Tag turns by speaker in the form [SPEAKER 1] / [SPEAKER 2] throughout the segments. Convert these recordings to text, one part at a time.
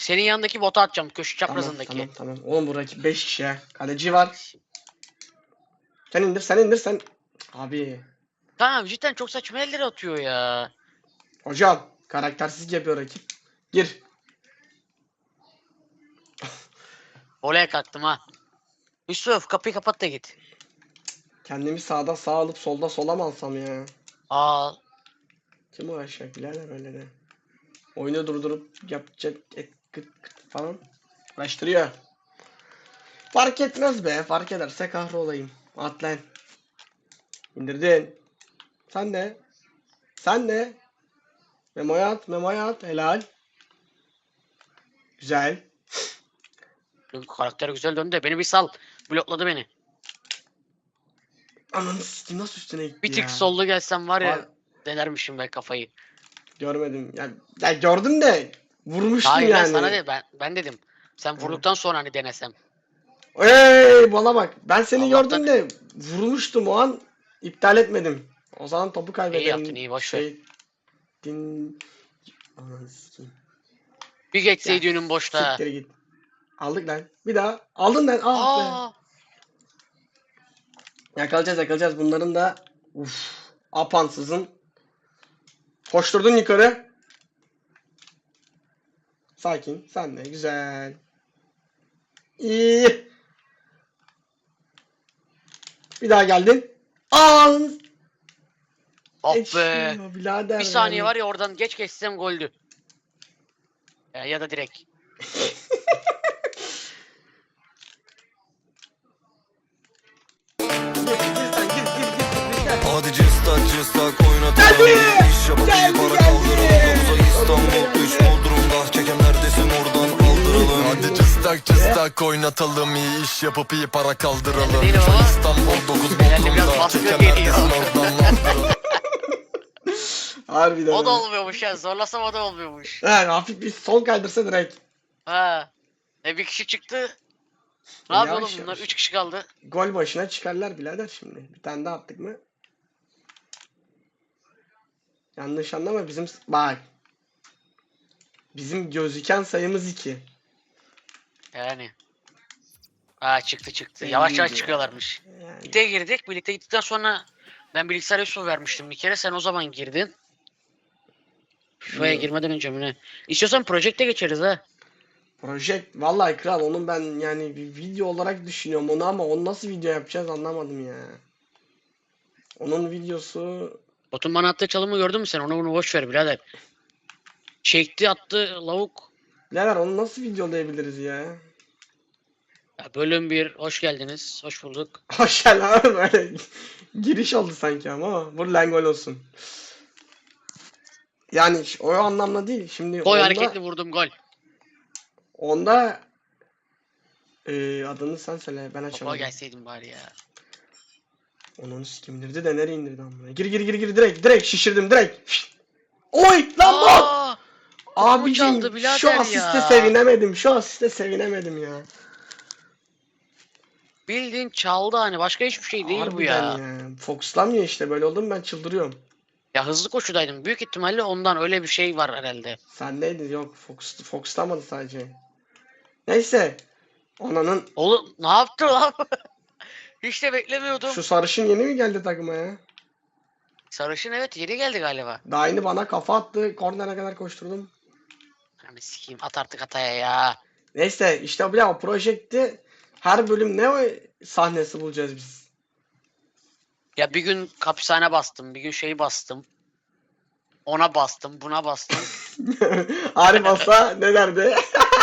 [SPEAKER 1] senin yanındaki bota atacağım. Köşe
[SPEAKER 2] Tamam
[SPEAKER 1] çaprazındaki.
[SPEAKER 2] tamam. Oğlum bu rakip 5 kişi ya. Kaleci var. Sen indir sen. Abi.
[SPEAKER 1] Tamam cidden çok saçma elleri atıyor ya.
[SPEAKER 2] Hocam. Karaktersizlik yapıyor rakip. Gir.
[SPEAKER 1] Olaya kalktım ha. Yusuf kapıyı kapat da git.
[SPEAKER 2] Kendimi sağda sağ alıp solda sola mı alsam ya?
[SPEAKER 1] Aa.
[SPEAKER 2] Kim uğraşacak birader öyle de. Oyunu durdurup yapacak kıt kıt falan. Uğraştırıyor. Fark etmez be. Fark ederse kahrolayım. At lan. İndirdin. Sen de. Sen de. Memoya at. Helal. Güzel.
[SPEAKER 1] Karakter güzel döndü de beni bir sal. Blokladı beni.
[SPEAKER 2] Ananı sikeyim nasıl üstüne gitti
[SPEAKER 1] Bir tık
[SPEAKER 2] ya.
[SPEAKER 1] sollu gelsem var ya
[SPEAKER 2] Var-
[SPEAKER 1] denermişim ben kafayı.
[SPEAKER 2] Görmedim. Ya gördüm de vurmuştum
[SPEAKER 1] Hayır
[SPEAKER 2] yani.
[SPEAKER 1] lan sana de ben dedim. Sen vurduktan sonra hani denesem.
[SPEAKER 2] Ey bana bak. Ben seni
[SPEAKER 1] Allah'tan-
[SPEAKER 2] gördüm de vurmuştum o an. İptal etmedim. O zaman topu kaybederim.
[SPEAKER 1] İyi yaptın, iyi, boş ver.
[SPEAKER 2] Ananı sikeyim.
[SPEAKER 1] Bir geçseydi önüm boşta.
[SPEAKER 2] Siktir git. Aldık lan. Bir daha. Aldın lan. Ah be.
[SPEAKER 1] Aa.
[SPEAKER 2] Yakalayacağız. Bunların da apansızın. Koşturdun yukarı. Sakin. Sen de. Güzel. İyi. Bir daha geldin. Aa!
[SPEAKER 1] Oh be.
[SPEAKER 2] Geçmiyor birader
[SPEAKER 1] Bir saniye
[SPEAKER 2] yani.
[SPEAKER 1] var ya oradan geç geçsem goldü. Ya da direkt.
[SPEAKER 3] Hadi cıstak oynatalım. İş yapıp para kaldıralım. Uzay İstanbul 3 Bodrum'da. Çeken neredesin oradan aldıralım. Hadi cıstak oynatalım. İyi iş yapıp iyi para kaldıralım.
[SPEAKER 1] Değil ama.
[SPEAKER 3] Uzay İstanbul 9
[SPEAKER 1] Herhalde biraz
[SPEAKER 3] Bodrum'da.
[SPEAKER 1] baskı
[SPEAKER 3] Çeken
[SPEAKER 1] geliyor.
[SPEAKER 3] neredesin oradan aldıralım.
[SPEAKER 2] Harbiden.
[SPEAKER 1] O da
[SPEAKER 2] öyle.
[SPEAKER 1] olmuyormuş ya. Zorlasam o da olmuyormuş.
[SPEAKER 2] He, hafif bir sol kaydırsa direkt.
[SPEAKER 1] Ha. Bir kişi çıktı. Ne
[SPEAKER 2] Yavaş
[SPEAKER 1] yapıyor oğlum bunlar?
[SPEAKER 2] yavaş.
[SPEAKER 1] 3 kişi kaldı.
[SPEAKER 2] Gol başına çıkarlar birader şimdi. Bir tane daha attık mı? Yanlış anlama bizim bak. Bizim gözüken sayımız 2.
[SPEAKER 1] Yani. Çıktı.
[SPEAKER 2] İyi
[SPEAKER 1] Yavaş
[SPEAKER 2] ya.
[SPEAKER 1] çıkıyorlarmış.
[SPEAKER 2] Yani.
[SPEAKER 1] Birlikte girdik. Birlikte gittikten sonra ben bilgisayar Yusuf vermiştim bir kere. Sen o zaman girdin. FIFA'ya
[SPEAKER 2] İyi.
[SPEAKER 1] girmeden önce mi ne? İstiyorsan Project'e geçeriz ha.
[SPEAKER 2] Project vallahi kral onun ben yani bir video olarak düşünüyorum onu ama onu nasıl video yapacağız anlamadım ya. Onun videosu
[SPEAKER 1] Botun bana attığı çalımı gördün mü sen? Onu boş ver birader. Çekti attı lavuk.
[SPEAKER 2] birader onu nasıl videolayabiliriz ya?
[SPEAKER 1] Ya bölüm 1 hoş geldiniz. Hoş bulduk.
[SPEAKER 2] Hoş geldin abi böyle giriş oldu sanki ama vur lan gol olsun. Yani o anlamda değil. Şimdi
[SPEAKER 1] Gol
[SPEAKER 2] onda,
[SPEAKER 1] hareketli vurdum gol.
[SPEAKER 2] onda adını sen söyle ben
[SPEAKER 1] Baba
[SPEAKER 2] açamadım.
[SPEAKER 1] gelseydin bari ya.
[SPEAKER 2] Onu kim indirdi de nereye indirdi amına? Gir direkt şişirdim direkt. Oy lan bot!
[SPEAKER 1] Aa!
[SPEAKER 2] Abicim
[SPEAKER 1] çaldı birader
[SPEAKER 2] şu asiste
[SPEAKER 1] ya.
[SPEAKER 2] sevinemedim ya.
[SPEAKER 1] Bildiğin çaldı hani başka hiçbir şey değil bu ya.
[SPEAKER 2] Harbiden ya. Fokuslanmıyor işte böyle oldu mu ben çıldırıyorum.
[SPEAKER 1] Ya hızlı koşudaydım. Büyük ihtimalle ondan öyle bir şey var herhalde.
[SPEAKER 2] Sendeydi yok fokuslamadı sadece. Neyse. Ananın
[SPEAKER 1] Oğlum ne yaptı lan? Hiç de beklemiyordum.
[SPEAKER 2] şu sarışın yeni mi geldi takıma ya?
[SPEAKER 1] Sarışın evet yeni geldi galiba.
[SPEAKER 2] Daha yeni bana kafa attı. Kornere kadar koşturdum.
[SPEAKER 1] Hani sikeyim at artık ataya ya.
[SPEAKER 2] Neyse işte o projekti her bölüm ne o sahnesi bulacağız biz.
[SPEAKER 1] Ya bir gün hapishane bastım. Bir gün şey bastım. Ona bastım. Buna bastım.
[SPEAKER 2] Arif Asa ne derdi?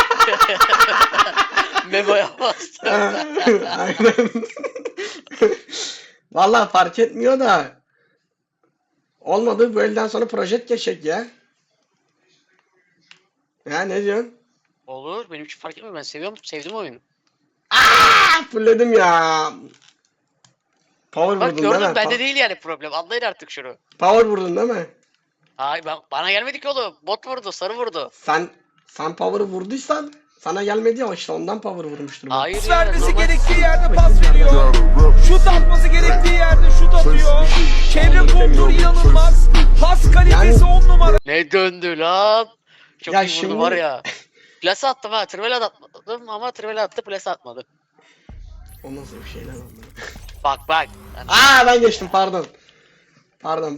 [SPEAKER 1] Memo'ya bastım.
[SPEAKER 2] Aynen. Vallahi fark etmiyor da olmadı bu elden sonra proje geçecek ya. Ya ne diyorsun?
[SPEAKER 1] Olur. Benim için fark etmiyor. Ben seviyorum. Sevdim oyunu.
[SPEAKER 2] Fulledim ya. Power
[SPEAKER 1] Bak
[SPEAKER 2] vurdun değil
[SPEAKER 1] gördün
[SPEAKER 2] mi?
[SPEAKER 1] bende değil yani problem. Anlayın artık şunu.
[SPEAKER 2] Power vurdun değil mi?
[SPEAKER 1] Ay bana gelmedi ki oğlum. Bot vurdu. Sarı vurdu.
[SPEAKER 2] Sen power'ı vurduysan sana gelmedi ya işte ondan power vurmuştur bu.
[SPEAKER 1] Hayır
[SPEAKER 4] Pas
[SPEAKER 1] ya.
[SPEAKER 4] vermesi
[SPEAKER 1] normal.
[SPEAKER 4] gerektiği yerde pas veriyor. Şut atması gerektiği yerde şut atıyor. Çevre kontrolü inanılmaz. Pas kalitesi
[SPEAKER 2] Yani-
[SPEAKER 4] 10 numara.
[SPEAKER 1] Ne döndü lan? Çok
[SPEAKER 2] Ya
[SPEAKER 1] iyi vurdu
[SPEAKER 2] şimdi-
[SPEAKER 1] var ya. Plase attım ha. Trivel atmadım ama trivel attı plase atmadı.
[SPEAKER 2] O nasıl bir şey lan oğlum?
[SPEAKER 1] Bak bak. Yani
[SPEAKER 2] Ben geçtim pardon. Pardon.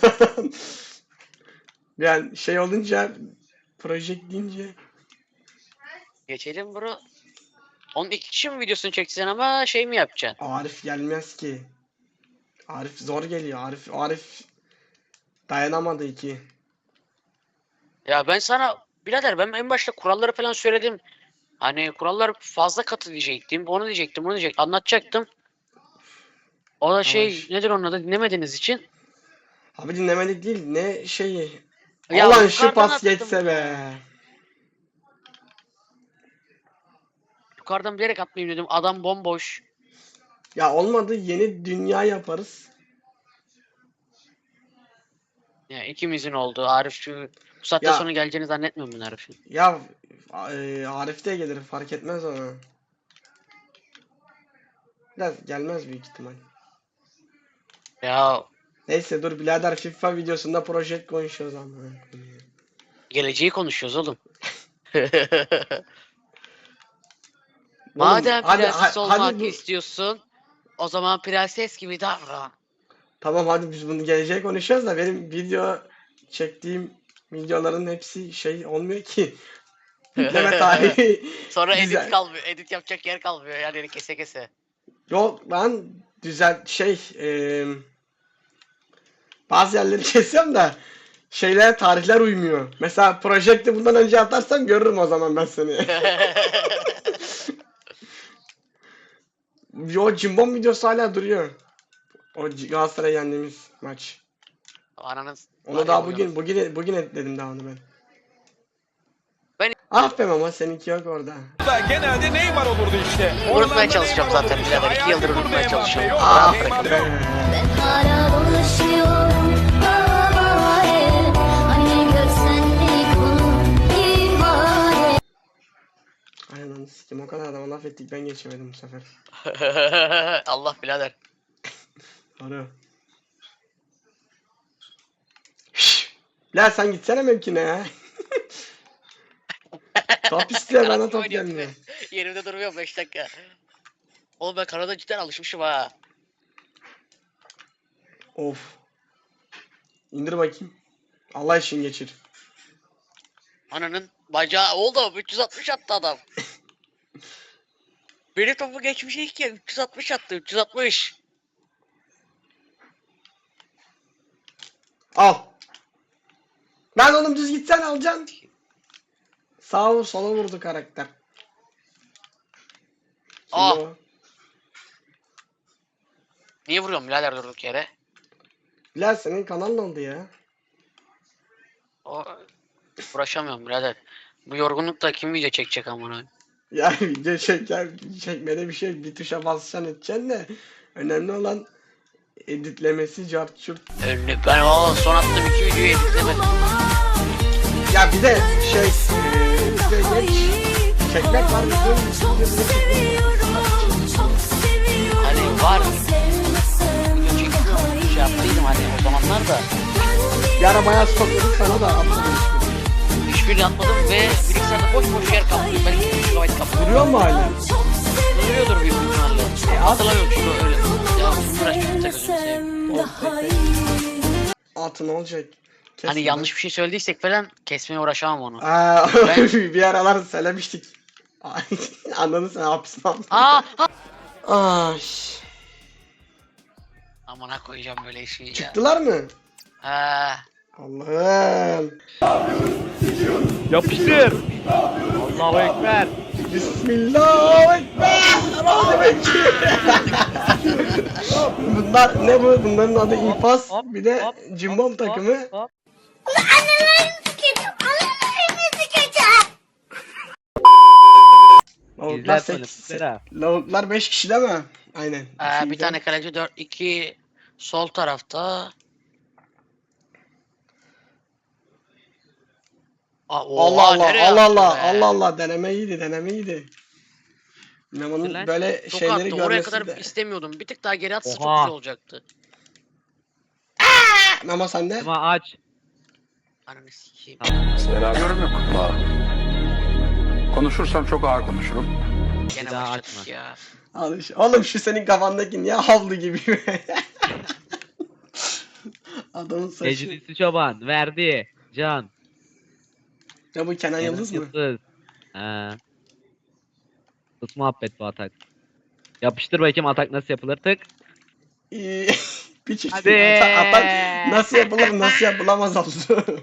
[SPEAKER 2] Yani şey olunca project deyince
[SPEAKER 1] geçelim bro. Onun 2 kişi mi videosunu çekeceksin ama şey mi yapacaksın?
[SPEAKER 2] Arif gelmez ki. Arif zor geliyor. Arif dayanamadı ki.
[SPEAKER 1] Ya ben sana birader ben en başta kuralları falan söyledim. Hani kurallar fazla katı diyecektim. Onu diyecektim, bunu diyecektim. Anlatacaktım. O da şey
[SPEAKER 2] Yavaş.
[SPEAKER 1] nedir onun adı dinlemediğiniz için.
[SPEAKER 2] Abi dinlemedik değil. Ne şeyi?
[SPEAKER 1] Ya
[SPEAKER 2] Ulan şu
[SPEAKER 1] yukarıdan
[SPEAKER 2] pas
[SPEAKER 1] attım
[SPEAKER 2] geçse
[SPEAKER 1] ya.
[SPEAKER 2] be.
[SPEAKER 1] Yukarıdan bilerek atmayayım dedim. Adam bomboş.
[SPEAKER 2] Ya olmadı yeni dünya yaparız.
[SPEAKER 1] Ya ikimizin oldu. Arif şu bu saatte
[SPEAKER 2] Ya-
[SPEAKER 1] sonra geleceğini zannetmiyorum ben Arif'in.
[SPEAKER 2] Ya Arif de gelir fark etmez ona. Biraz gelmez büyük ihtimal.
[SPEAKER 1] Ya
[SPEAKER 2] Neyse dur birader FIFA videosunda project konuşuyoruz ama.
[SPEAKER 1] geleceği konuşuyoruz oğlum.
[SPEAKER 2] Oğlum,
[SPEAKER 1] Madem prenses olmak
[SPEAKER 2] hadi
[SPEAKER 1] istiyorsun, o zaman prenses gibi davran.
[SPEAKER 2] Tamam hadi biz bunu geleceğe konuşuyoruz da benim video çektiğim videoların hepsi şey olmuyor ki. Yükleme tarihi.
[SPEAKER 1] Sonra
[SPEAKER 2] Güzel.
[SPEAKER 1] edit kalmıyor. Edit yapacak yer kalmıyor yani kese kese.
[SPEAKER 2] Yok ben bazı yerleri kesiyorum da tarihler uymuyor. Mesela projekte bundan önce atarsam görürüm o zaman ben seni. O Cimbom videosu hala duruyor. O Galatasaray yendiğimiz maç.
[SPEAKER 1] Ananın
[SPEAKER 2] Onu daha bugün etledim daha onu ben.
[SPEAKER 1] Ben-
[SPEAKER 2] Ah be mama seninki yok orada.
[SPEAKER 4] Genelde Neymar olurdu işte.
[SPEAKER 1] unutmaya çalışacağım zaten birader. 2 yıldır unutmaya çalışıyorum.
[SPEAKER 2] Ah
[SPEAKER 4] Neymar
[SPEAKER 2] be.
[SPEAKER 5] Ben hala dolaşıyorum havaya. Hani görsenlik onun ihale.
[SPEAKER 2] Aynen onu sikim o kadar adama laf ettik ben geçemedim bu sefer.
[SPEAKER 1] Allah birader.
[SPEAKER 2] Doğru. Şşş. La sen gitsene mümküne ya. Top istiyor bana top
[SPEAKER 1] Oynuyorum
[SPEAKER 2] gelmiyor.
[SPEAKER 1] be. Yerimde durmuyorum 5 dakika. Oğlum ben Kanada cidden alışmışım ha.
[SPEAKER 2] Of. İndir bakayım. Allah için geçir.
[SPEAKER 1] Ananın bacağı oldu 360 attı adam. Benim topu geçmiş ilk ya 360 attı 360.
[SPEAKER 2] Al. Ben oğlum düz gitsen alacaksın. Sağa sola vurdu karakter. Kim
[SPEAKER 1] Ah.
[SPEAKER 2] o?
[SPEAKER 1] Niye vuruyorum birader durduk yere?
[SPEAKER 2] Bilal senin kanal ne oldu ya?
[SPEAKER 1] O... Uğraşamıyorum birader. Bu yorgunlukta kim video çekecek amına?
[SPEAKER 2] Ya video çekmede bir şey bir tuşa basacaksın edeceksin de önemli olan editlemesi cart çurt.
[SPEAKER 1] Önlü ben o son attığım 2 videoyu editlemedim.
[SPEAKER 2] Ya bir de bize geç çekmek var
[SPEAKER 1] Hani var. Video çekiyorum. Şey yaptıydım hani o zamanlar da.
[SPEAKER 2] bir ara bayağı stokladık sana da atmadım
[SPEAKER 1] Hiçbirini atmadım ve bilgisayarda boş boş yer kaplıyor. Ben 2 GB kaplıyorum.
[SPEAKER 2] Duruyor mu hala?
[SPEAKER 1] Duruyordur büyük ihtimalle. Hatırlamıyorum şunu öyle. Ya uğraş çok da gözünü seveyim.
[SPEAKER 2] Atı ne olacak? Kesme
[SPEAKER 1] Hani
[SPEAKER 2] lan.
[SPEAKER 1] yanlış bir şey söylediysek falan kesmeye uğraşamam onu.
[SPEAKER 2] Ben... bir aralar söylemiştik. Anladın sen hapsine aldın.
[SPEAKER 1] Aa!
[SPEAKER 2] Ay.
[SPEAKER 1] Amına koyacağım böyle işi ya.
[SPEAKER 2] Çıktılar mı?
[SPEAKER 1] Ha.
[SPEAKER 2] Allah'ım.
[SPEAKER 4] Yapıştır. Allahu Ekber.
[SPEAKER 2] Bismillah. Bunlar ne bu? Bunların adı İpas. Bir de Cimbom takımı.
[SPEAKER 4] Hop.
[SPEAKER 2] Lavuklar
[SPEAKER 4] İzler böyle
[SPEAKER 2] 8.
[SPEAKER 4] Fera.
[SPEAKER 2] Lavuklar 5 kişi değil mi? Aynen.
[SPEAKER 1] Bir tane kaleci 4-2 sol tarafta.
[SPEAKER 2] Allah Allah
[SPEAKER 1] nereye
[SPEAKER 2] Allah
[SPEAKER 1] attı
[SPEAKER 2] Allah
[SPEAKER 1] be?
[SPEAKER 2] Allah Allah deneme iyiydi. Memo'nun
[SPEAKER 4] Lan,
[SPEAKER 2] böyle
[SPEAKER 1] Çok
[SPEAKER 2] şeyleri
[SPEAKER 1] attı. Oraya
[SPEAKER 2] görmesi
[SPEAKER 1] kadar
[SPEAKER 2] de.
[SPEAKER 1] istemiyordum. Bir tık daha geri atsa çok
[SPEAKER 4] Oha.
[SPEAKER 1] güzel olacaktı.
[SPEAKER 2] Memo sende.
[SPEAKER 4] Ama aç.
[SPEAKER 1] Ananı sikeyim.
[SPEAKER 6] Konuşursam çok ağır konuşurum.
[SPEAKER 1] Gene
[SPEAKER 7] daha
[SPEAKER 1] başladık
[SPEAKER 7] açma.
[SPEAKER 1] ya.
[SPEAKER 2] Oğlum şu senin kafandaki niye havlu gibi? Adamın saçı.
[SPEAKER 7] Eclisi Çoban verdi. Can.
[SPEAKER 2] Ya bu Kenan Yıldız mı?
[SPEAKER 7] Yıldız. He. Tut muhabbet bu atak. Yapıştır bakayım atak nasıl yapılır tık.
[SPEAKER 2] İyi. Piç işte.
[SPEAKER 7] Hadi.
[SPEAKER 2] Atak nasıl yapılır nasıl yapılamaz oldu.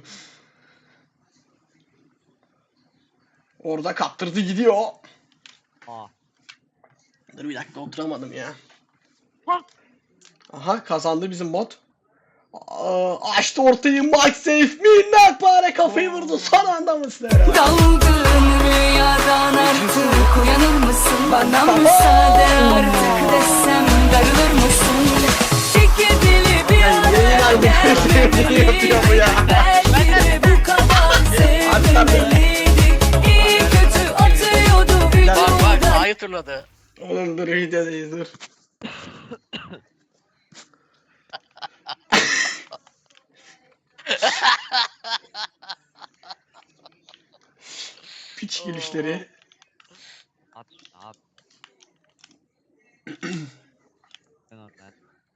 [SPEAKER 2] Orada kaptırdı gidiyor.
[SPEAKER 7] Aa.
[SPEAKER 2] Dur bir dakika oturamadım ya.
[SPEAKER 7] Ha.
[SPEAKER 2] Aha kazandı bizim bot. Açtı ortayı Mike Safe minnak para kafayı vurdu son anda mısın?
[SPEAKER 8] Dalgın rüyadan artık uyanır mısın? Bana müsaade artık desem darılır mısın? Çekidili bir ara gelmemeli.
[SPEAKER 2] yapıyor bu ya?
[SPEAKER 8] Belki de bu kadar sevmemeliydik. İyi kötü atıyordu
[SPEAKER 1] Bak
[SPEAKER 8] vücuda.
[SPEAKER 1] A'yı turladı.
[SPEAKER 2] Oğlum dur videodayız dur. Piç gülüşleri.
[SPEAKER 7] At şunu at. Ben oradan.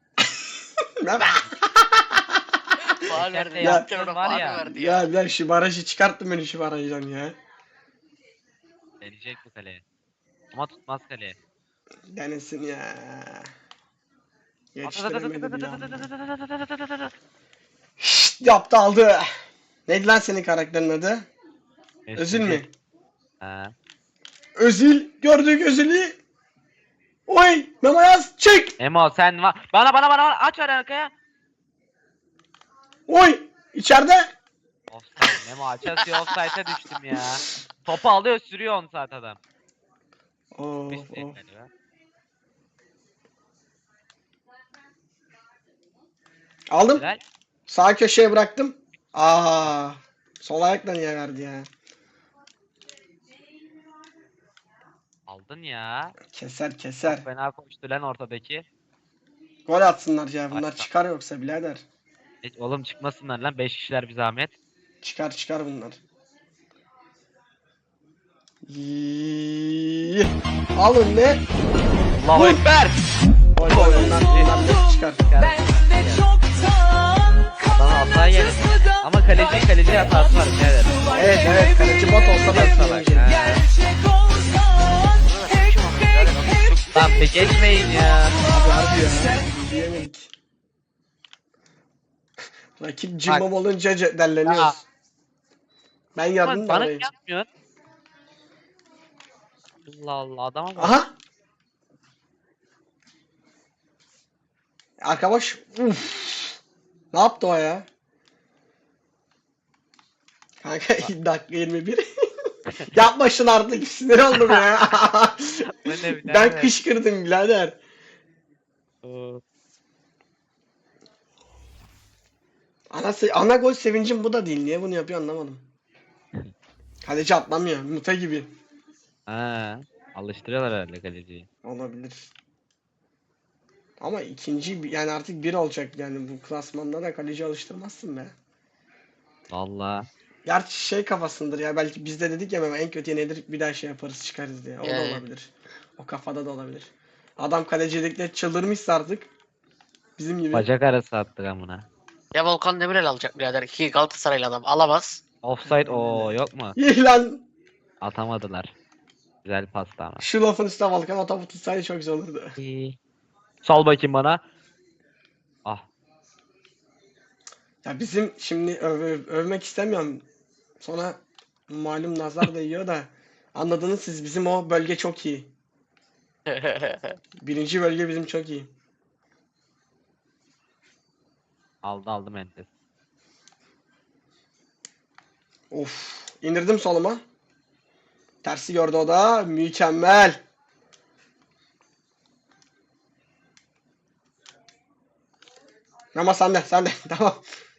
[SPEAKER 1] Faal verdi.
[SPEAKER 7] Gerçekten
[SPEAKER 1] Ya,
[SPEAKER 7] yaptığın
[SPEAKER 1] ona
[SPEAKER 7] var
[SPEAKER 1] faal
[SPEAKER 7] ya.
[SPEAKER 1] verdi ya.
[SPEAKER 2] Ya ben şu barajı çıkarttım beni şu barajdan ya.
[SPEAKER 7] Deneyecek bu kaleye. Ama tutmaz kaleye.
[SPEAKER 2] Denesin ya.
[SPEAKER 7] At, at, at, at,
[SPEAKER 2] Yetiştiremedi
[SPEAKER 7] at,
[SPEAKER 2] bile
[SPEAKER 7] at,
[SPEAKER 2] ama.
[SPEAKER 7] at, at, at, at, at, at, at.
[SPEAKER 2] Şşt, yaptı aldı. Neydi lan senin karakterin adı?
[SPEAKER 7] Neyse,
[SPEAKER 2] Özül mü?
[SPEAKER 7] He.
[SPEAKER 2] Özül. Gördük Özül'ü. Oy. Memo yaz. Çek.
[SPEAKER 7] Emo sen var. Bana aç ver arkaya.
[SPEAKER 2] Oy. İçeride.
[SPEAKER 7] Offside. Memo açası offside'e düştüm ya. Topu alıyor sürüyor 10 saat adam.
[SPEAKER 2] Oo,
[SPEAKER 7] Dış
[SPEAKER 2] oo.
[SPEAKER 7] galiba.
[SPEAKER 2] Aldım.
[SPEAKER 7] Helal.
[SPEAKER 2] Sağ köşeye bıraktım. Aa. Sol ayakla niye verdi ya?
[SPEAKER 7] Aldın ya.
[SPEAKER 2] Keser keser.
[SPEAKER 7] Çok fena koştu lan ortadaki.
[SPEAKER 2] Gol atsınlar ya. Bunlar
[SPEAKER 7] Açma.
[SPEAKER 2] çıkar yoksa birader.
[SPEAKER 7] Oğlum çıkmasınlar lan 5 kişiler bir zahmet.
[SPEAKER 2] Çıkar çıkar bunlar. Yii. Alın ne?
[SPEAKER 7] Allahu
[SPEAKER 2] Vur.
[SPEAKER 7] Ekber.
[SPEAKER 2] Gol gol bunlar net çıkar.
[SPEAKER 8] Ben de çoktan
[SPEAKER 7] Bana hata yedim. Ama kaleci hatası var birader.
[SPEAKER 2] Evet evet kaleci bot olsa ben
[SPEAKER 7] Salak.
[SPEAKER 2] salacağım.
[SPEAKER 7] Ha.
[SPEAKER 8] gerçek olsan hep hep
[SPEAKER 7] Lan bir geçmeyin ya.
[SPEAKER 2] Abi harbi ya. Diyemedik. Rakip cimbom olunca
[SPEAKER 7] Ya.
[SPEAKER 2] derleniyoruz. Ben yardım da
[SPEAKER 7] Bana
[SPEAKER 2] arayayım.
[SPEAKER 7] yapmıyorsun. Allah Allah adama bak.
[SPEAKER 2] Aha. Arka boş. Uf. Ne yaptı o ya? Kanka dakika 21. Yapma şunu artık sinir oldum ya.
[SPEAKER 7] Bu ne birader?
[SPEAKER 2] Ben kışkırdım birader. Ana gol sevincim bu da değil. Niye bunu yapıyor anlamadım. Kaleci atlamıyor. Mute gibi.
[SPEAKER 7] Ha, alıştırıyorlar herhalde kaleciyi.
[SPEAKER 2] Olabilir. Ama ikinci yani artık bir olacak yani bu klasmanda da kaleci alıştırmazsın be.
[SPEAKER 7] Valla.
[SPEAKER 2] Gerçi şey kafasındır ya belki biz de dedik ya en kötü nedir bir daha şey yaparız çıkarız diye. O da
[SPEAKER 1] Yani.
[SPEAKER 2] olabilir. O kafada da olabilir. Adam kalecilikle çıldırmışsa artık bizim gibi.
[SPEAKER 7] Bacak arası attık amına.
[SPEAKER 1] Ya Volkan Demirel alacak birader. İki Galatasaraylı adam. Alamaz.
[SPEAKER 7] Offside o yok mu?
[SPEAKER 2] İyi lan.
[SPEAKER 7] Atamadılar. Güzel pasta ama.
[SPEAKER 2] Şu lafın üstüne Volkan Ataput tutsaydı çok güzel olurdu.
[SPEAKER 7] İyi. Sal bakayım bana. Ah.
[SPEAKER 2] Ya bizim şimdi övmek istemiyorum. Sonra malum nazar değiyor da anladınız siz bizim o bölge çok iyi. Birinci bölge bizim çok iyi.
[SPEAKER 7] Aldım entes.
[SPEAKER 2] Of. İndirdim soluma. Tersi gördü o da. Mükemmel. Ama sen de tamam.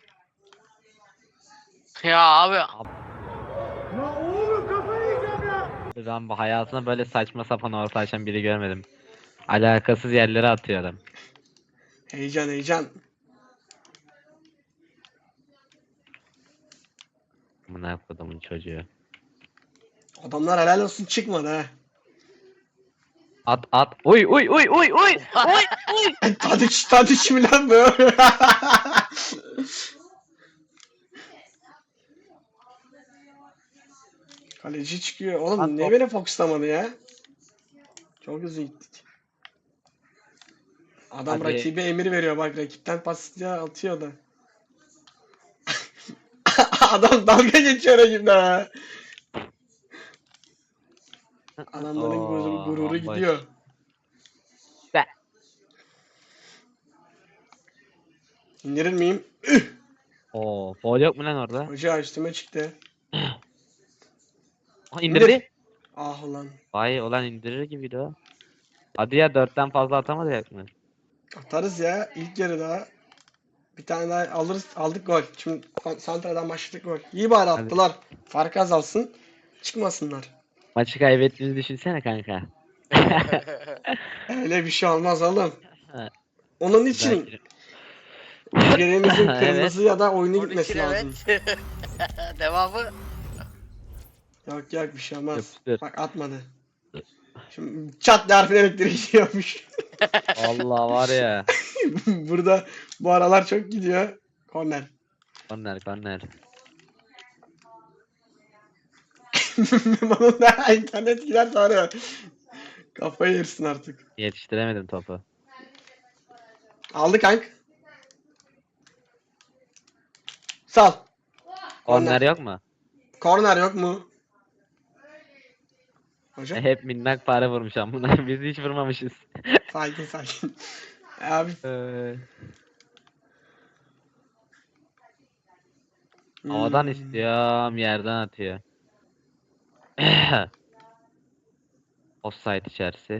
[SPEAKER 1] Ya abi.
[SPEAKER 7] Ben bu hayatımda böyle saçma sapan orta açan biri görmedim. Alakasız yerlere atıyor adam.
[SPEAKER 2] Heyecan heyecan.
[SPEAKER 7] Amına kodumun çocuğu.
[SPEAKER 2] Adamlar helal olsun çıkmadı ha.
[SPEAKER 7] At. Uy uy uy uy uy.
[SPEAKER 2] Tadiç mi lan bu? Kaleci çıkıyor. Oğlum
[SPEAKER 7] Lan
[SPEAKER 2] niye
[SPEAKER 7] top.
[SPEAKER 2] beni fokuslamadı ya? Çok hızlı gittik. Adam
[SPEAKER 7] Hadi.
[SPEAKER 2] rakibe emir veriyor bak, rakipten pas diye atıyor da. Adam dalga geçiyor rakibine ha. Adamların gururu
[SPEAKER 7] bomboş.
[SPEAKER 2] gidiyor.
[SPEAKER 7] Be.
[SPEAKER 2] İndirir miyim?
[SPEAKER 7] Oo, foul yok mu lan orada?
[SPEAKER 2] Hoca üstüme çıktı.
[SPEAKER 7] İndirdi.
[SPEAKER 2] Ah ulan.
[SPEAKER 7] Vay olan indirir gibiydi o. Hadi ya 4'ten fazla atamadık mı?
[SPEAKER 2] Atarız ya ilk yarıda. Bir tane daha alırız. Aldık gol. Şimdi Santra'dan başladık gol. İyi bari
[SPEAKER 7] Hadi.
[SPEAKER 2] attılar. Fark azalsın. Çıkmasınlar.
[SPEAKER 7] Maçı kaybettiğimizi düşünsene kanka.
[SPEAKER 2] Öyle bir şey olmaz oğlum.
[SPEAKER 7] Ha,
[SPEAKER 2] Onun için
[SPEAKER 7] belki-
[SPEAKER 2] birimizin
[SPEAKER 7] Evet.
[SPEAKER 2] kırmızı ya da oyunu
[SPEAKER 1] Onun
[SPEAKER 2] gitmesi
[SPEAKER 1] için
[SPEAKER 2] lazım.
[SPEAKER 1] evet. Devamı.
[SPEAKER 2] Yok yok bir şey olmaz.
[SPEAKER 7] Yapıştır.
[SPEAKER 2] Bak atmadı. Şimdi çat diye harfin elektrik gidiyormuş.
[SPEAKER 7] Allah var ya.
[SPEAKER 2] Burada bu aralar çok gidiyor. Korner.
[SPEAKER 7] Korner.
[SPEAKER 2] Bunun da internet gider sonra. Kafayı yersin artık.
[SPEAKER 7] Yetiştiremedim topu.
[SPEAKER 2] Aldı kank. Sal.
[SPEAKER 7] Korner yok mu?
[SPEAKER 2] Korner yok mu? Hocam
[SPEAKER 7] Hep minnak para vurmuş amına. Biz hiç vurmamışız.
[SPEAKER 2] sakin. Abi.
[SPEAKER 7] Havadan
[SPEAKER 2] Hmm.
[SPEAKER 7] istiyorum, yerden atıyor. Offside içerisi.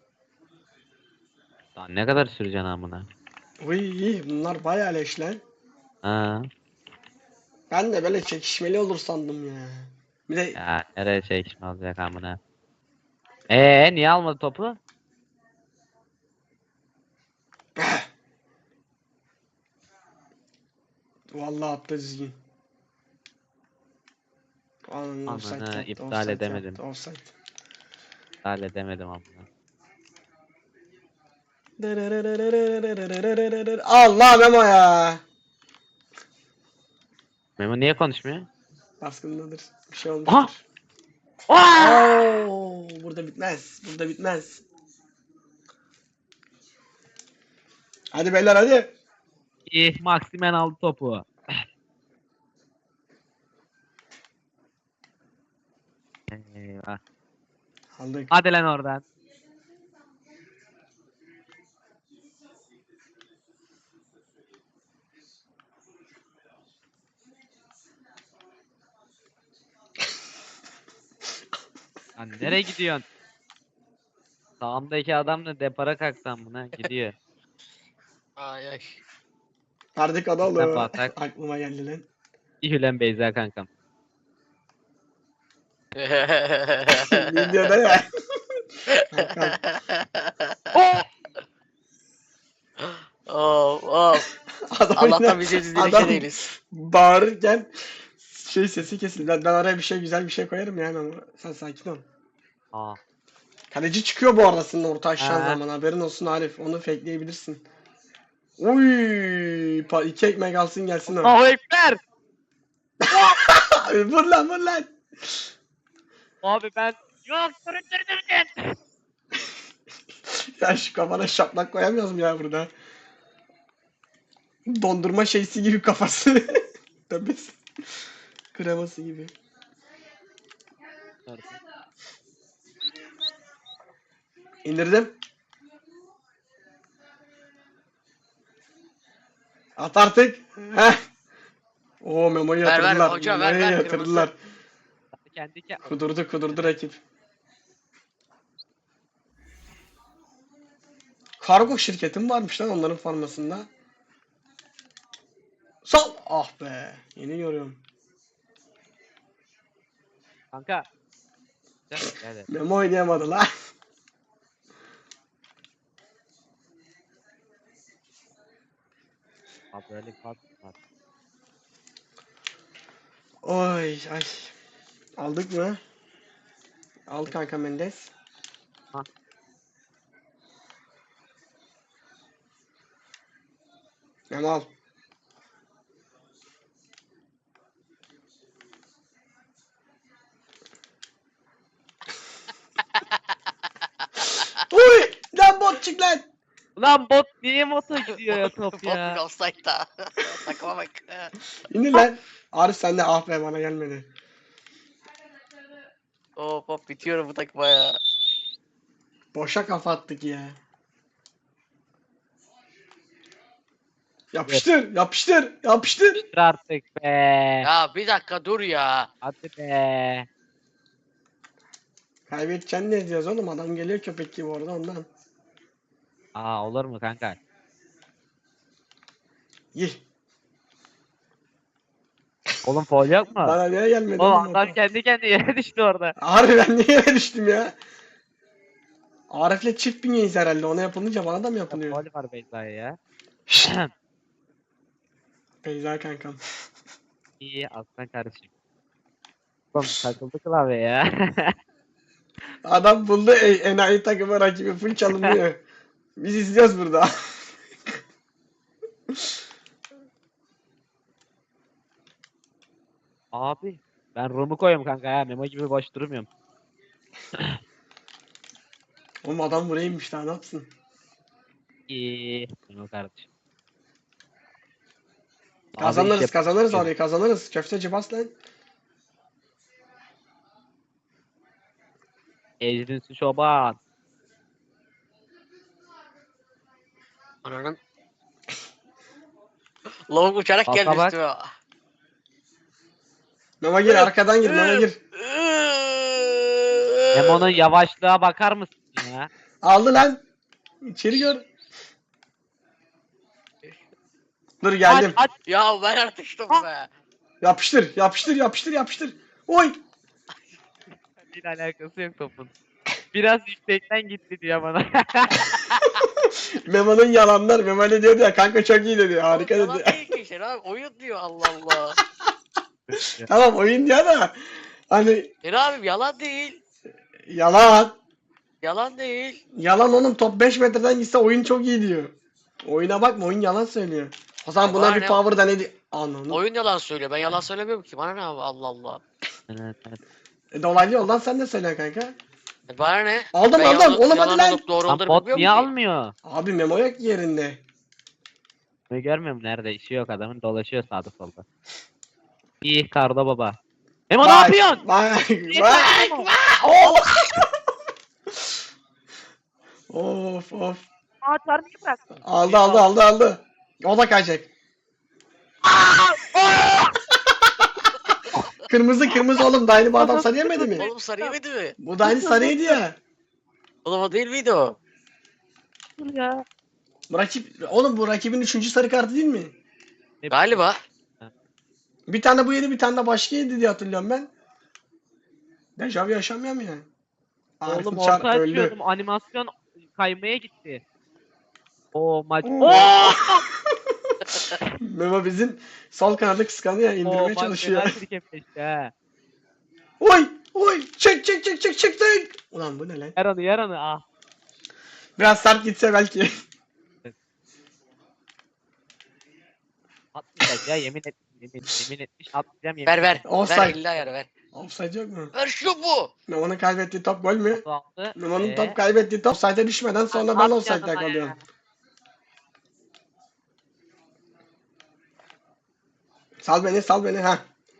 [SPEAKER 7] Daha ne kadar süreceksin amına?
[SPEAKER 2] Uy, bunlar bayağı leş lan.
[SPEAKER 7] Ha.
[SPEAKER 2] Ben de böyle çekişmeli olur sandım ya. Bir de
[SPEAKER 7] Ya nereye çekişme olacak amına? Niye almadı topu?
[SPEAKER 2] vallahi attı düzgün. Ananı offside
[SPEAKER 7] Amına,
[SPEAKER 2] yaptı,
[SPEAKER 7] iptal
[SPEAKER 2] offside
[SPEAKER 7] edemedim.
[SPEAKER 2] yaptı, offside.
[SPEAKER 7] Halledemedim amına.
[SPEAKER 2] Allah Memo ya.
[SPEAKER 7] Memo niye konuşmuyor?
[SPEAKER 2] Baskındadır. Bir şey
[SPEAKER 7] Aha!
[SPEAKER 2] olmuştur. Oo, burada bitmez. Burada bitmez. Hadi beyler hadi.
[SPEAKER 7] Maximen aldı topu. Eyvah.
[SPEAKER 2] Aldık.
[SPEAKER 7] Hadi lan oradan. Lan nereye gidiyorsun? Sağımdaki adam da depara kalksam buna gidiyor.
[SPEAKER 1] Ay.
[SPEAKER 2] Verdik adalı.
[SPEAKER 7] Sen batak.
[SPEAKER 2] Aklıma geldi lan.
[SPEAKER 7] İhülen Beyza kankam.
[SPEAKER 2] Videoda ya. Kankam.
[SPEAKER 1] Of.
[SPEAKER 2] Adam
[SPEAKER 1] Allah'tan
[SPEAKER 2] yine-
[SPEAKER 1] biz de
[SPEAKER 2] adam
[SPEAKER 1] değiliz.
[SPEAKER 2] bağırırken sesi kesildi. Ben araya bir şey güzel bir şey koyarım yani ama sen sakin ol.
[SPEAKER 7] Aa.
[SPEAKER 2] Kaleci çıkıyor bu arada senin orta aşağı
[SPEAKER 7] Ha.
[SPEAKER 2] zaman, haberin olsun Arif. Onu fakeleyebilirsin. Uy, iki ekmek alsın gelsin o.
[SPEAKER 7] Allahu Ekber!
[SPEAKER 2] Vur lan.
[SPEAKER 7] Abi ben... Yok süründürdüm.
[SPEAKER 2] Ya şu kafana şaplak koyamıyoruz mu ya burada? Dondurma şeysi gibi kafası. Tepesi. Kreması gibi. İndirdim. At artık. Heh. Oo Memo'yu
[SPEAKER 1] Ver, ver,
[SPEAKER 2] yatırdılar.
[SPEAKER 1] hoca, ver,
[SPEAKER 2] Memo'yu
[SPEAKER 1] ver,
[SPEAKER 2] yatırdılar.
[SPEAKER 7] Kendi
[SPEAKER 2] Kudurdu rakip. Kargo şirketim varmış lan onların formasında. Sal. Ah be. Yeni görüyorum.
[SPEAKER 7] kanka. Gel.
[SPEAKER 2] Memo oynayamadı lan.
[SPEAKER 7] Abi böyle pas var.
[SPEAKER 2] Oy ay. Aldık mı? Al kanka Mendes.
[SPEAKER 7] Ha.
[SPEAKER 2] Memo al. Uy! Lan bot çık lan!
[SPEAKER 7] Ulan bot niye moto gidiyor ya top
[SPEAKER 1] Ya.
[SPEAKER 7] ya?
[SPEAKER 1] Offside'da. Takıma bak.
[SPEAKER 2] İndir lan. Arif sen de ah be bana gelmedi.
[SPEAKER 1] Hop bitiyorum bu takıma ya.
[SPEAKER 2] Boşa kafa attık ya. Yapıştır, yapıştır, yapıştır.
[SPEAKER 7] Dur artık be.
[SPEAKER 1] Ya bir dakika dur ya.
[SPEAKER 7] Hadi be.
[SPEAKER 2] Kaybedeceksin ne diyoruz oğlum? Adam geliyor köpek gibi orada ondan.
[SPEAKER 7] Aa olur mu kanka?
[SPEAKER 2] Yih.
[SPEAKER 7] Oğlum foul yok mu?
[SPEAKER 2] Bana niye gelmedi
[SPEAKER 7] Oğlum
[SPEAKER 2] oğlum
[SPEAKER 7] adam
[SPEAKER 2] o?
[SPEAKER 7] kendi kendine yere düştü orada.
[SPEAKER 2] Harbi ben niye yere düştüm ya? Arif'le çift bünyeyiz herhalde. Ona yapılınca bana da mı yapılıyor?
[SPEAKER 7] Foul var Beyza'ya ya.
[SPEAKER 2] Beyza kankam.
[SPEAKER 7] İyi aslan kardeşim. Oğlum takıldı klavye ya.
[SPEAKER 2] Adam buldu enayi takımı rakibi full çalınıyor. Biz izliyoruz burada.
[SPEAKER 7] Abi ben Rum'u koyuyorum kanka ya. Memo gibi boş durmuyorum.
[SPEAKER 2] Oğlum adam buraya inmiş daha ne yapsın?
[SPEAKER 7] İyi. Memo kardeşim. Abi
[SPEAKER 2] Kazanırız
[SPEAKER 7] işte-
[SPEAKER 2] kazanırız orayı kazanırız. Köfteci bas lan.
[SPEAKER 7] Ecrinsi çoban.
[SPEAKER 1] Ananın. Lavuk uçarak
[SPEAKER 7] Alta
[SPEAKER 1] geldi
[SPEAKER 7] bak.
[SPEAKER 1] üstüme.
[SPEAKER 2] Mema gir arkadan gir Mema gir.
[SPEAKER 7] Memo'nun yavaşlığa bakar mısın ya?
[SPEAKER 2] Aldı lan. İçeri gör. Dur geldim.
[SPEAKER 7] Aç aç.
[SPEAKER 1] Ya ben artıştım be.
[SPEAKER 2] Yapıştır yapıştır yapıştır yapıştır. Oy.
[SPEAKER 7] Bir alakası yok topun. Biraz yüksekten gitti diyor bana.
[SPEAKER 2] Memo'nun yalanlar. Memo ne diyordu ya kanka çok iyi dedi. Harika
[SPEAKER 1] Yalan
[SPEAKER 2] dedi.
[SPEAKER 1] değil ki işte abi. Oyun diyor Allah Allah.
[SPEAKER 2] Tamam oyun diyor da. Hani
[SPEAKER 1] Abi yalan değil.
[SPEAKER 2] yalan.
[SPEAKER 1] Yalan değil.
[SPEAKER 2] Yalan oğlum top 5 metreden gitse oyun çok iyi diyor. Oyuna bakma oyun yalan söylüyor. O zaman buna
[SPEAKER 1] Bana
[SPEAKER 2] bir
[SPEAKER 1] ne?
[SPEAKER 2] power da ne di... Ananı.
[SPEAKER 1] Oyun yalan söylüyor. Ben yalan söylemiyorum ki. Bana ne abi Allah Allah.
[SPEAKER 7] Evet, evet.
[SPEAKER 2] Dolaylı yoldan sen de söyle kanka.
[SPEAKER 1] Bana ne?
[SPEAKER 2] Aldım,
[SPEAKER 1] Ben
[SPEAKER 2] aldım.
[SPEAKER 1] yalan-
[SPEAKER 2] Oğlum hadi
[SPEAKER 1] yalan
[SPEAKER 2] lan.
[SPEAKER 1] olup doğru
[SPEAKER 7] Lan
[SPEAKER 1] olduğunu
[SPEAKER 7] bot
[SPEAKER 1] bilmiyorum
[SPEAKER 7] niye
[SPEAKER 1] ki.
[SPEAKER 7] almıyor?
[SPEAKER 2] Abi Memo yok yerinde.
[SPEAKER 7] Ne görmüyorum nerede işi yok adamın dolaşıyor sağda solda. İyi Kardo baba. Memo ne yapıyorsun?
[SPEAKER 2] Bak
[SPEAKER 7] Niye
[SPEAKER 2] bak.
[SPEAKER 7] Memo?
[SPEAKER 2] Of of.
[SPEAKER 7] Aa çarpıyı bıraktın.
[SPEAKER 2] Aldı. O da kaçacak. Kırmızı oğlum. Daha yeni bu adam sarı yemedi mi?
[SPEAKER 1] Oğlum sarı yemedi mi?
[SPEAKER 2] Bu da aynı sarıydı ya.
[SPEAKER 1] Oğlum o değil miydi o?
[SPEAKER 7] Dur ya.
[SPEAKER 2] Oğlum bu rakibin 3. sarı kartı değil mi?
[SPEAKER 1] Galiba.
[SPEAKER 2] Bir tane bu yedi bir tane de başka yedi diye hatırlıyorum ben. Dejavu yaşamıyor mu ya? Arif
[SPEAKER 7] Oğlum
[SPEAKER 2] Uçar
[SPEAKER 7] orta açıyordum animasyon kaymaya gitti. O maç.
[SPEAKER 2] Oo.
[SPEAKER 7] Oo!
[SPEAKER 2] Memo bizim sol kanadı kıskanıyor
[SPEAKER 7] O
[SPEAKER 2] indirmeye
[SPEAKER 7] maç
[SPEAKER 2] çalışıyor.
[SPEAKER 7] fena trikepleşti ha.
[SPEAKER 2] Oy çek. Ulan bu ne lan?
[SPEAKER 7] Yaranı ah.
[SPEAKER 2] Biraz sert gitse belki.
[SPEAKER 7] Atmayacak ya yemin etmiş atmayacağım yemin.
[SPEAKER 1] Ver.
[SPEAKER 2] Offside.
[SPEAKER 1] Ver 50 ayar ver.
[SPEAKER 2] Offside yok mu?
[SPEAKER 1] Ver şu bu.
[SPEAKER 2] Memo'nun kaybettiği top gol mü?
[SPEAKER 7] Aldı.
[SPEAKER 2] Memo'nun top kaybettiği top offside'e düşmeden sonra ben offside'de kalıyorum. Sal beni ha.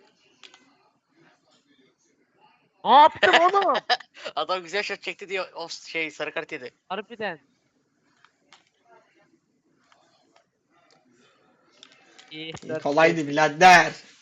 [SPEAKER 7] Ne yaptım oğlum?
[SPEAKER 1] Adam güzel shot çekti diye o sarı kart yedi.
[SPEAKER 7] Harbiden. İyi, dört
[SPEAKER 2] Kolaydı birader.